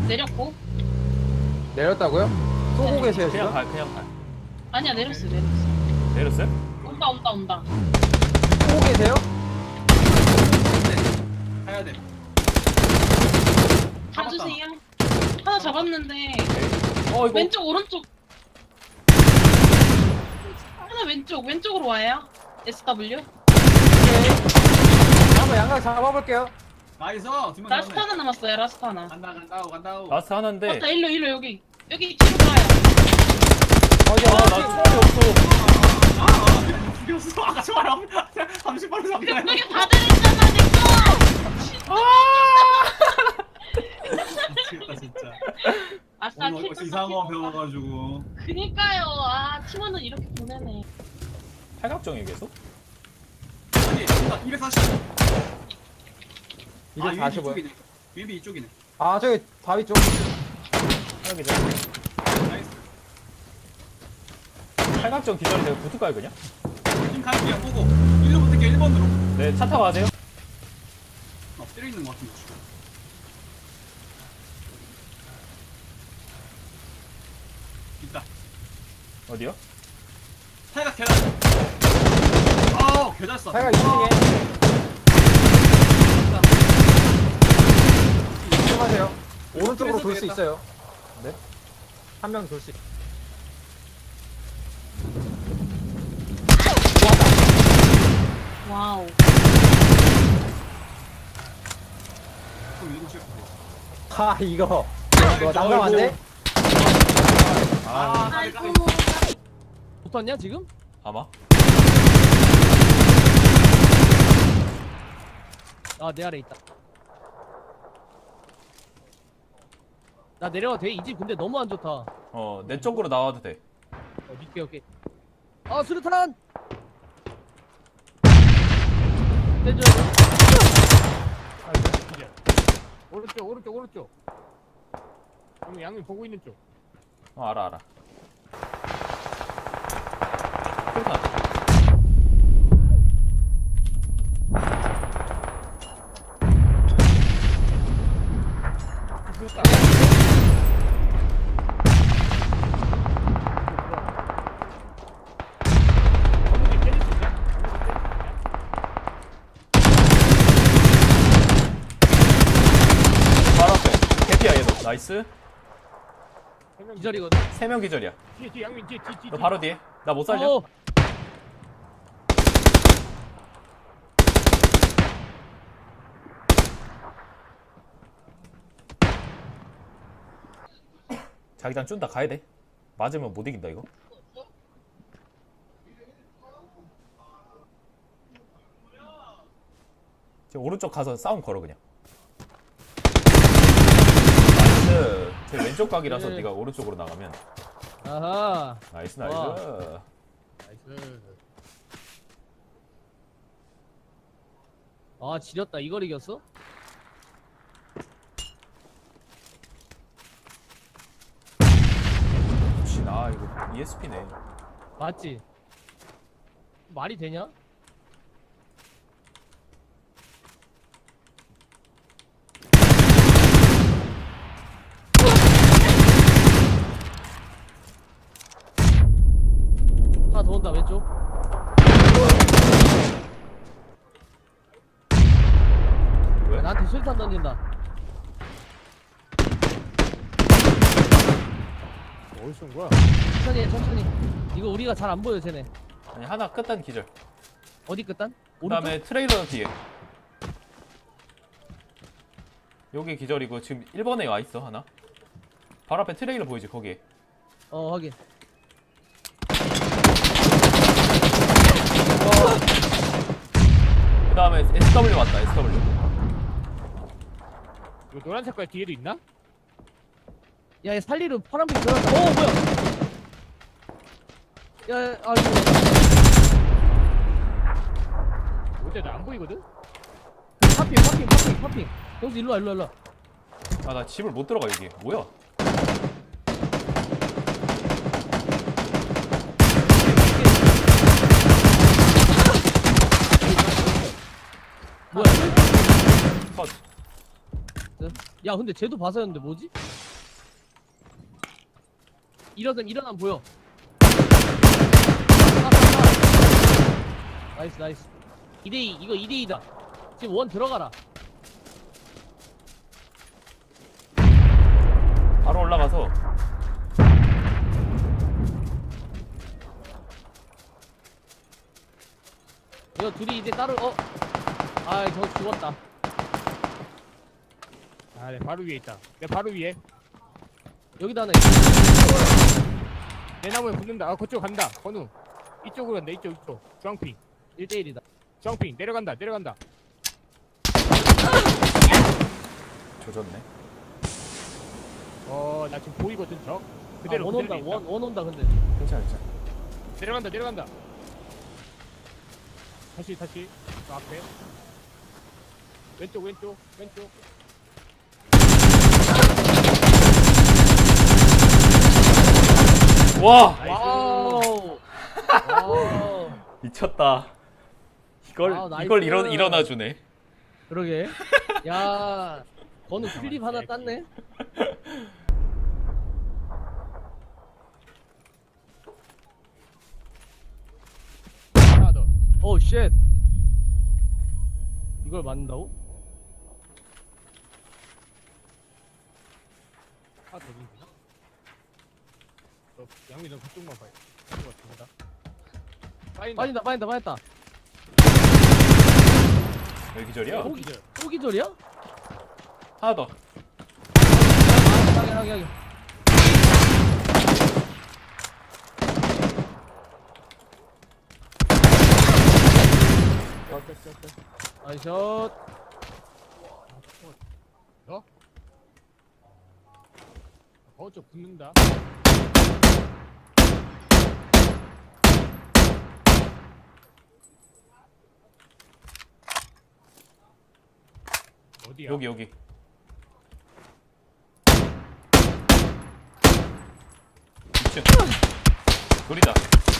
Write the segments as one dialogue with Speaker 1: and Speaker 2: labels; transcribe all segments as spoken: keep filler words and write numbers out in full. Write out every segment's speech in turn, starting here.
Speaker 1: 내렸고.
Speaker 2: 내렸다고요? 쏘고
Speaker 1: 네.
Speaker 2: 계세요
Speaker 3: 그냥
Speaker 2: 지금?
Speaker 3: 가 그냥 가.
Speaker 1: 아니야, 내렸어, 내렸어.
Speaker 3: 내렸어요?
Speaker 1: 온다, 온다, 온다.
Speaker 2: 쏘고 계세요?
Speaker 4: 가야 돼.
Speaker 1: 가주세요. 하나 잡았는데.
Speaker 3: 어 이거
Speaker 1: 왼쪽, 오른쪽. 하나 왼쪽, 왼쪽으로 와요. 에스더블유.
Speaker 2: 오케이. 한번 양각 잡아볼게요.
Speaker 4: 나이스. 두명
Speaker 1: 라스트
Speaker 4: 남았네.
Speaker 1: 하나 남았어요, 라스트 하나.
Speaker 4: 간다 간다고 간다고.
Speaker 3: 라스트 하나인데.
Speaker 1: 맞다, 일로, 일로, 여기. 여기 뒤로 가요.
Speaker 2: 어디
Speaker 3: 아,
Speaker 2: 어디?
Speaker 3: 나 총알이 없어.
Speaker 4: 아, 아, 죽였어. 아까 총알 없. 삼십 발로 잡나요?
Speaker 1: 여기 다 들어있잖아, 니꺼!
Speaker 4: 미치겠다 진짜.
Speaker 1: 아싸,
Speaker 4: 오늘
Speaker 1: 킬
Speaker 4: 어디서 이상한 거 배워가지고.
Speaker 1: 그니까요. 아, 팀원은 이렇게 보내네.
Speaker 3: 팔각정이 계속?
Speaker 4: 아니, 진짜 이백사십. 아,
Speaker 2: 이백사십오요?
Speaker 4: 이쪽이네. 윈비 이쪽이네.
Speaker 2: 아 저기 바위 쪽.
Speaker 3: 팔각 기절.
Speaker 4: 나이스.
Speaker 3: 팔각정 기절이 내가 붙을까요 그냥?
Speaker 4: 팀 갈게요. 보고. 일로 붙을게요. 일 번으로.
Speaker 3: 네, 차 타고 가세요.
Speaker 4: 엎드려 있는 것 같은데. 있다.
Speaker 3: 어디요?
Speaker 4: 타이가 계단. 아우, 계단 써.
Speaker 2: 타이가 이 층에. 조심하세요. 오른쪽으로 돌 수
Speaker 4: 되겠다.
Speaker 2: 있어요. 네. 한 명 돌 수. 있...
Speaker 1: 와우.
Speaker 4: 그럼 이거 찍어.
Speaker 2: 하 이거. 이거 난감한데?
Speaker 3: 아,
Speaker 4: 아,
Speaker 1: 아이고.
Speaker 5: 붙었냐 지금?
Speaker 3: 아마?
Speaker 5: 아 내 아래 있다. 나 내려가도 돼? 이 집 근데 너무 안 좋다. 어,
Speaker 3: 어, 내 쪽으로 나와도 돼.
Speaker 5: 오케이 오케이. 아 수류탄! 떼줘야 돼.
Speaker 6: 오른쪽 오른쪽 오른쪽 양미 양미 보고 있는 쪽.
Speaker 3: 어, 알아, 알아. 풀탄.
Speaker 6: 건물이 때릴 수 있냐?
Speaker 3: 바로 앞에. 개피야, 얘도. 나이스.
Speaker 5: 기절이거든.
Speaker 3: 세 명 기절이야.
Speaker 6: 뒤에 뒤에 양미 뒤에 뒤에 뒤에.
Speaker 3: 너 바로 뒤에. 나 못 살려?
Speaker 5: 어,
Speaker 3: 자기장 쭌다 가야 돼. 맞으면 못 이긴다, 이거. 지금 오른쪽 가서 싸움 걸어, 그냥. 나이스. 제 왼쪽 각이라서
Speaker 5: 네.
Speaker 3: 네가 오른쪽으로 나가면.
Speaker 5: 아하.
Speaker 3: 나이스, 나이스.
Speaker 5: 와.
Speaker 6: 나이스.
Speaker 5: 아 지렸다. 이걸 이겼어?
Speaker 3: 혹시 나 이거 이에스피네.
Speaker 5: 맞지? 말이 되냐? 하나 더 온다 왼쪽.
Speaker 3: 왜?
Speaker 5: 나한테 술탄 던진다.
Speaker 6: 어디서 온 거야?
Speaker 5: 천천히 해 천천히. 이거 우리가 잘 안 보여 쟤네.
Speaker 3: 아니 하나 끝단 기절.
Speaker 5: 어디 끝단?
Speaker 3: 그
Speaker 5: 오른쪽?
Speaker 3: 다음에 트레일러 뒤에. 여기 기절이고 지금 일 번에 와 있어 하나. 바로 앞에 트레일러 보이지 거기.
Speaker 5: 어 확인.
Speaker 3: 그 다음에 에스더블유 왔다. 에스더블유.
Speaker 6: 이거 노란 색깔 뒤에도 있나?
Speaker 5: 야, 얘 살리로 파란빛 들어갔다. 어, 뭐야? 야, 야, 아, 이거.
Speaker 6: 어때 나안 보이거든?
Speaker 5: 파핑, 파핑, 파핑, 파핑. 형수 일로 와, 일로 와, 일로 와.
Speaker 3: 아 나 집을 못 들어가 여기. 뭐야?
Speaker 5: 뭐야?
Speaker 3: 컷.
Speaker 5: 야 근데 쟤도 봐서였는데 뭐지? 일어남 일어남 보여. 아, 아, 아. 나이스 나이스. 이 대 이 이거 이 대 이다. 지금 원 들어가라.
Speaker 3: 바로 올라가서
Speaker 5: 이거 둘이 이제 따로 어? 아 저 죽었다.
Speaker 6: 아, 내 바로 위에 있다. 내 바로 위에.
Speaker 5: 여기다 하나 있어.
Speaker 6: 내 나무에 붙는다. 아, 그쪽 간다. 건우. 이쪽으로 간다. 이쪽, 이쪽. 주황핑.
Speaker 5: 일 대 일이다.
Speaker 6: 주황핑. 내려간다. 내려간다.
Speaker 3: 조졌네.
Speaker 6: 어, 나 지금 보이거든, 저.
Speaker 5: 그대로
Speaker 6: 그대로,
Speaker 5: 아, 원 온다.
Speaker 6: 그대로
Speaker 5: 원, 원 온다 근데.
Speaker 3: 괜찮아 괜찮아.
Speaker 6: 내려간다. 내려간다. 다시, 다시. 저 앞에. 왼쪽, 왼쪽, 왼쪽.
Speaker 3: 와
Speaker 5: 와우. 와우.
Speaker 3: 미쳤다. 이걸
Speaker 5: 와우, 나이스.
Speaker 3: 이걸 일어 일어나 주네.
Speaker 5: 그러게. 야, 건우 클립 하나 땄네.
Speaker 6: 하나 더.
Speaker 5: 오 쉣. 이걸 맞는다고?
Speaker 6: 하나 더 있나? 너, 양미 너 그쪽만 봐요. 그쪽 같습니다. 빠진다.
Speaker 5: 빠진다 빠진다 빠졌다.
Speaker 3: 여기 기절이야?
Speaker 5: 또, 기, 또 기절이야?
Speaker 3: 하나 더.
Speaker 5: 하게 하게 하게. 나이샷.
Speaker 6: 어, 저 붙는다. 어디야?
Speaker 3: 여기 여기. 이 층. 둘이다.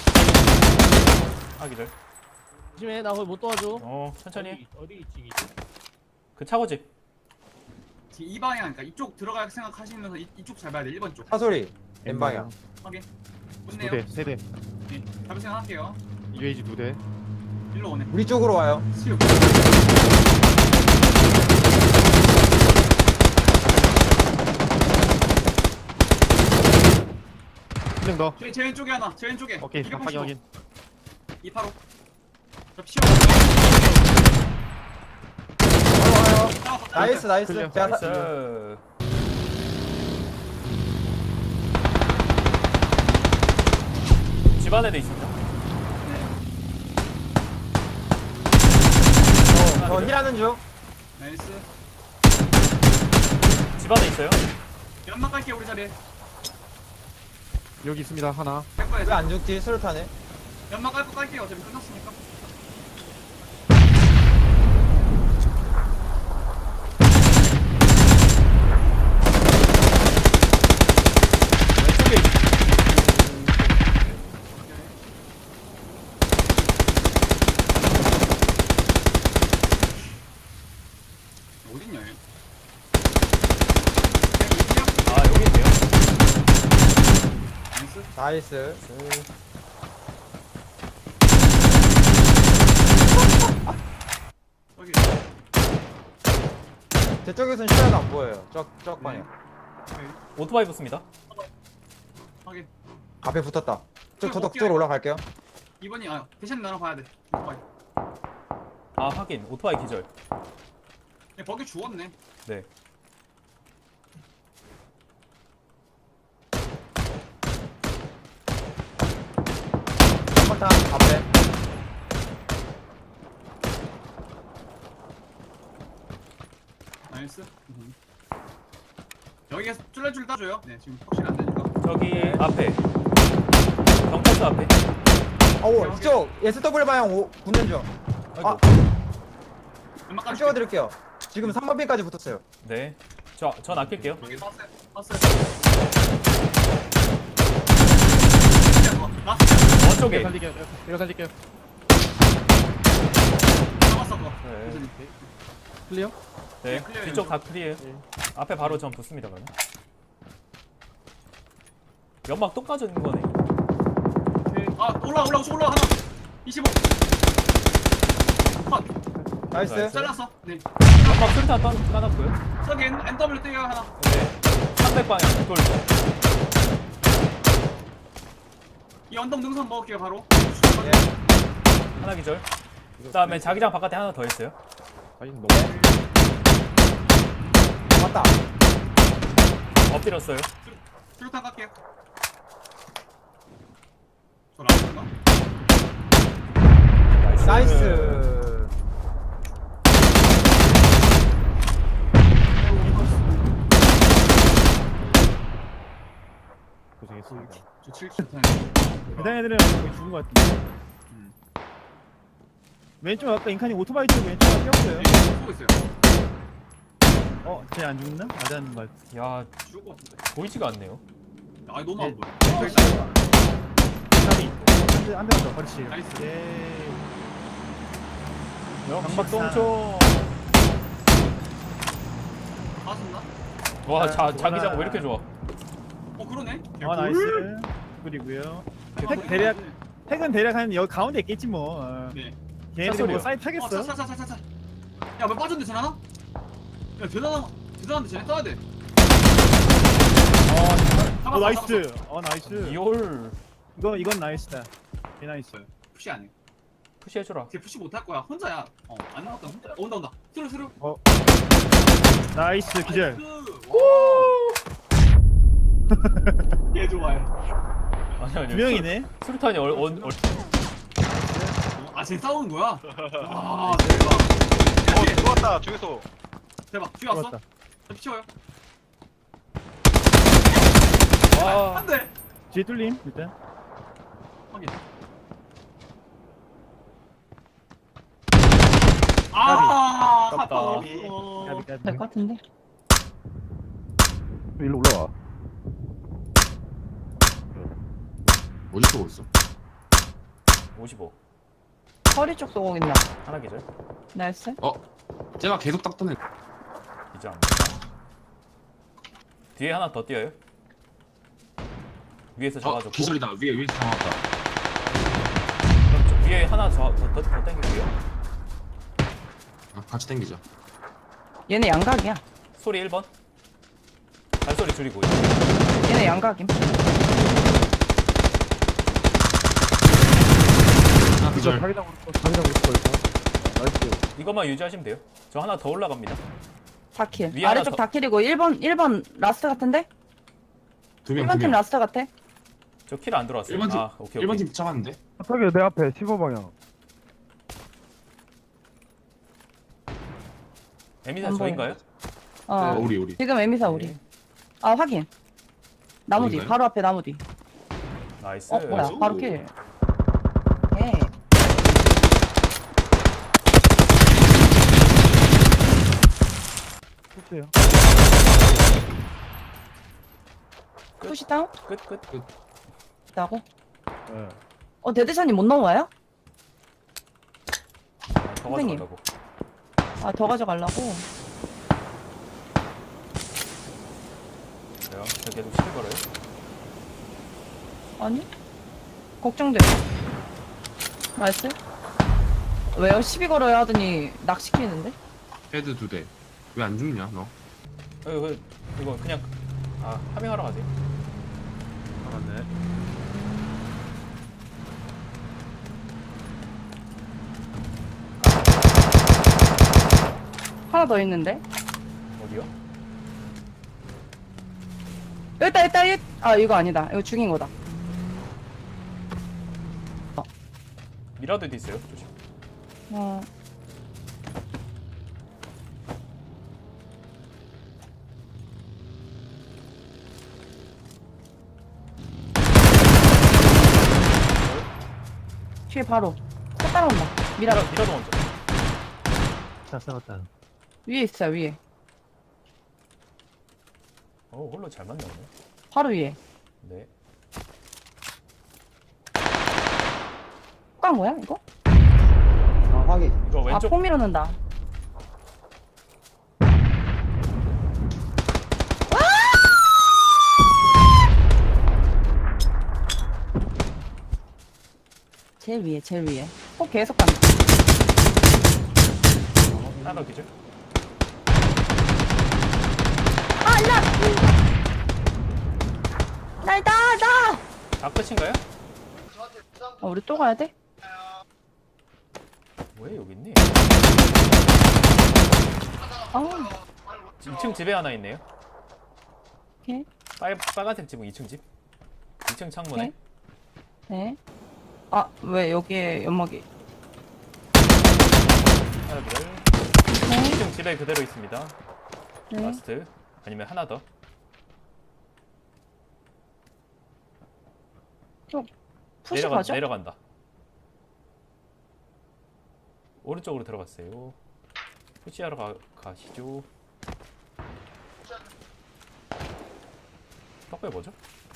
Speaker 3: 아 기절.
Speaker 5: 조심해 나 거기 못 도와줘.
Speaker 3: 어 천천히 해.
Speaker 6: 어디, 어디 이층이지?
Speaker 3: 그 차고집.
Speaker 4: 지금 이 방향, 그러니까 이쪽 들어갈 생각하시면서 이, 이쪽 잘 봐야 돼. 일 번 쪽.
Speaker 2: 사소리 N방향.
Speaker 4: 확인.
Speaker 7: 두
Speaker 4: 좋네요.
Speaker 7: 대, 세 대.
Speaker 4: 네, 잡을 생각할게요.
Speaker 7: 유에이지 두 대.
Speaker 4: 일로 오네.
Speaker 2: 우리 쪽으로 와요.
Speaker 4: 수육.
Speaker 7: 한 명 더.
Speaker 4: 제, 제 왼쪽에 하나. 제 왼쪽에.
Speaker 7: 오케이, 확인 확인.
Speaker 4: 이팔오. 저 피오.
Speaker 2: 와요.
Speaker 4: 잡았어,
Speaker 2: 나이스 나이스.
Speaker 7: 클리어.
Speaker 2: 제가 사,
Speaker 3: 나이스. 집 안에도 있습니다.
Speaker 2: 저 힐하는 중.
Speaker 4: 나이스.
Speaker 3: 집 안에 있어요.
Speaker 4: 연막 갈게 우리 자리에.
Speaker 7: 여기 있습니다. 하나.
Speaker 4: 갈 거야.
Speaker 2: 왜 안 죽지? 수류탄에.
Speaker 4: 연막 깔고 깔게요. 어차피 끝났으니까.
Speaker 3: 왼쪽에
Speaker 4: 어딨냐 얘?
Speaker 3: 아 여기 있네요.
Speaker 4: 나이스.
Speaker 2: 나이스.
Speaker 4: 여기.
Speaker 2: 제 쪽에서는 시야가 안 보여요. 쪽, 쪽 방향.
Speaker 3: 오토바이 붙습니다.
Speaker 4: 확인.
Speaker 2: 앞에 붙었다. 저, 저도
Speaker 4: 어깨.
Speaker 2: 그쪽으로 올라갈게요.
Speaker 4: 이번이 아 대신 나랑 봐야 돼. 오토바이.
Speaker 3: 아 확인. 오토바이 기절.
Speaker 4: 얘 버기 죽었네.
Speaker 3: 네.
Speaker 2: 한번탄 앞에.
Speaker 4: 나이스. 음. 여기에서 쫄래쫄 따줘요. 네 지금 확실히 안 되니까.
Speaker 3: 저기 앞에. 경찰서 앞에.
Speaker 2: 어우 이쪽 에스더블유 방향 오, 붙는 중. 아,
Speaker 4: 연막
Speaker 2: 좀
Speaker 4: 깔게.
Speaker 2: 찍어드릴게요. 지금 삼 번 핀까지 붙었어요.
Speaker 3: 네. 저 전 아낄게요.
Speaker 4: 여기 봤어요. 봤어요. 라스트.
Speaker 3: 원쪽에.
Speaker 7: 내가 살릴게요. 내가 살릴게요.
Speaker 4: 잡았어 그거.
Speaker 3: 네.
Speaker 4: 교수님.
Speaker 7: 클리어?
Speaker 3: 네,
Speaker 4: 네, 클리어해요,
Speaker 3: 뒤쪽
Speaker 4: 저.
Speaker 3: 다 클리어해요. 앞에 바로 전 붙습니다, 그러면. 연막 또 까진 거네.
Speaker 4: 아 올라 올라 올라 하나. 이십오. 컷.
Speaker 2: 나이스.
Speaker 3: 나이스.
Speaker 4: 잘랐어. 네.
Speaker 3: 연막 수류탄 떠 까놨고요.
Speaker 4: 저기 N, 엔더블유 뛰어요 하나.
Speaker 3: 네, 삼백 방향 돌.
Speaker 4: 이 언덕 능선 먹을게요 바로.
Speaker 2: 예.
Speaker 3: 하나 기절. 그다음에 자기장 바깥에 하나 더 있어요.
Speaker 7: 아니 너무
Speaker 2: 맞다.
Speaker 3: 엎드렸어요.
Speaker 4: 수류탄 갈게요. 저 라스인가?
Speaker 3: 나이스.
Speaker 2: 나이스.
Speaker 7: 고생했습니다.
Speaker 4: 저 칠십탄.
Speaker 6: 그다음 애들은 거의 죽은 것 같은데.
Speaker 4: 음.
Speaker 6: 왼쪽 아까 인칸이 오토바이 쪽에 왼쪽에 뛰었어요.
Speaker 4: 네, 쏘고 있어요.
Speaker 6: 어, 쟤 안 죽나? 맞았는 것 같아.
Speaker 3: 야,
Speaker 4: 죽을 것 같은데.
Speaker 3: 보이지가 않네요.
Speaker 4: 아 너무 안 보여.
Speaker 6: 까비. 한대 더. 그렇지.
Speaker 4: 나이스.
Speaker 6: 예.
Speaker 3: 역박동총.
Speaker 4: 맞았나?
Speaker 3: 와, 자,
Speaker 6: 아,
Speaker 3: 자기장 왜
Speaker 6: 뭐라.
Speaker 3: 이렇게 좋아?
Speaker 4: 어 그러네.
Speaker 6: 아, 나이스. 그리고요. 핵 대략 핵은 대략 한 여기 가운데 있겠지 뭐. 어.
Speaker 4: 네.
Speaker 6: 걔네들이
Speaker 3: 사소리요.
Speaker 6: 뭐 사이트 하겠어?
Speaker 4: 차차차차차. 야왜 빠졌는데 쟤 하나? 야 대단한 대단한데 쟤네 떠야 돼.
Speaker 6: 어,
Speaker 4: 잡았어,
Speaker 6: 나이스. 어, 나이스.
Speaker 3: 이올
Speaker 6: 이거 이건 나이스다. 개 나이스.
Speaker 4: 잡았어. 푸시 안 해.
Speaker 3: 푸시해줘라.
Speaker 4: 걔 푸시 못 할 거야. 혼자야. 어 아닌 것 같다. 혼자. 어, 온다 온다. 스루 스루.
Speaker 6: 나이스 기절.
Speaker 4: 얘 좋아해.
Speaker 3: 아니 아니.
Speaker 6: 두 명이네.
Speaker 3: 수류탄이 얼, 얼, 얼.
Speaker 4: 아쟤 싸우는 거야? 와 대박.
Speaker 8: 어 들어왔다 중에서.
Speaker 4: 대박. 뒤에 왔어?
Speaker 6: 들어왔다.
Speaker 4: 저 피쳐요.
Speaker 3: 와.
Speaker 4: 안돼.
Speaker 6: 뒤에 뚫림 일단.
Speaker 4: 확인. 아,
Speaker 3: 아깝다.
Speaker 4: 아깝다.
Speaker 6: 까비 까비.
Speaker 1: 될 것 같은데.
Speaker 7: 일로 올라와.
Speaker 8: 어디 쏘고 있어?
Speaker 3: 오십오.
Speaker 1: 허리 쪽 쏘고 있나?
Speaker 3: 하나 기절.
Speaker 1: 나이스.
Speaker 8: 쟤가 계속 닦던 애.
Speaker 3: 기절. 뒤에 하나 더 뛰어요. 위에서
Speaker 8: 어
Speaker 3: 잡아줬고.
Speaker 8: 기절이다. 위에 위에 잡아왔다.
Speaker 3: 그럼 저 위에 하나 더, 더, 더, 더 당길게요.
Speaker 8: 아, 같이 당기자.
Speaker 1: 얘네 양각이야.
Speaker 3: 소리 일 번. 발소리 줄이고.
Speaker 1: 얘네 양각임.
Speaker 8: 하나 기절.
Speaker 7: 자기장으로 자기장으로 걸자. 나이스.
Speaker 3: 이것만 유지하시면 돼요. 저 하나 더 올라갑니다.
Speaker 1: 다킬.
Speaker 3: 위에 하나
Speaker 1: 아래쪽
Speaker 3: 더.
Speaker 1: 다킬이고 일 번 일 번 라스트 같은데?
Speaker 8: 두 명,
Speaker 1: 일 번
Speaker 8: 두
Speaker 1: 팀
Speaker 8: 명.
Speaker 1: 라스트 같아.
Speaker 3: 저 킬 안 들어왔어요.
Speaker 8: 일 번 팀.
Speaker 3: 아, 오케이,
Speaker 8: 일 번
Speaker 3: 오케이.
Speaker 8: 팀 잡았는데?
Speaker 7: 저기 내 앞에 십오 방향.
Speaker 3: 에미사
Speaker 1: 안
Speaker 3: 저인가요?
Speaker 1: 어.
Speaker 8: 어, 우리 우리.
Speaker 1: 지금 에미사 우리. 아 확인. 나무 뒤.
Speaker 8: 어딘가요?
Speaker 1: 바로 앞에 나무 뒤.
Speaker 3: 나이스.
Speaker 1: 어 뭐야?
Speaker 8: 오.
Speaker 1: 바로 킬. 예.
Speaker 7: 했어요.
Speaker 1: 푸시 다운?
Speaker 3: 끝, 끝.
Speaker 1: 있다고?
Speaker 7: 예.
Speaker 1: 어 데드샷이 못 넘어와요?
Speaker 3: 더
Speaker 1: 선생님.
Speaker 3: 가져가려고.
Speaker 1: 아 더 가져가려고.
Speaker 3: 그래요? 저 계속 시를 걸어요.
Speaker 1: 아니? 걱정돼. 나이스. 왜요? 시비 걸어야 하더니 낚시키는데?
Speaker 8: 헤드 두 대. 왜 안 죽냐 너?
Speaker 3: 어, 이거, 이거 그냥, 아, 파밍하러 가세요.
Speaker 7: 알았네.
Speaker 1: 하나 더 있는데?
Speaker 3: 어디요?
Speaker 1: 여기 있다, 여기 있다, 여기. 아, 이거 아니다. 이거 죽인 거다.
Speaker 3: 미라도도 있어요. 조심.
Speaker 1: 어. 뒤에 바로. 또 따라온다. 미라.
Speaker 3: 미라, 미라도 먼저.
Speaker 6: 자, 싸웠다.
Speaker 1: 위에 있어요, 위에.
Speaker 3: 어, 홀로 잘 만나네.
Speaker 1: 바로 위에.
Speaker 3: 네.
Speaker 1: 깐 거야, 이거?
Speaker 2: 아 확인.
Speaker 3: 이거
Speaker 1: 아,
Speaker 3: 왼쪽,
Speaker 1: 폭 밀어낸다.
Speaker 9: 제일 위에, 제일 위에. 꼭 계속 간다.
Speaker 3: 하나 더 기절.
Speaker 9: 아, 나! 나, 나, 나!
Speaker 3: 아, 끝인가요?
Speaker 9: 어, 우리 또 가야 돼?
Speaker 3: 왜 여기 있니?
Speaker 9: 아,
Speaker 3: 이 층 집에 하나 있네요.
Speaker 9: 오케이.
Speaker 3: 빨, 빨간색 지붕 이 층 집. 이 층 창문에.
Speaker 9: 네. 네. 아, 왜 여기에 연막이.
Speaker 3: 하나 기절.
Speaker 9: 네.
Speaker 3: 이 층 집에 그대로 있습니다.
Speaker 9: 네.
Speaker 3: 라스트. 아니면 하나 더.
Speaker 9: 푸시
Speaker 3: 내려가,
Speaker 9: 가죠?
Speaker 3: 내려간다. 오른쪽으로 들어갔어요. 푸시하러 가, 가시죠. 덕배 뭐죠?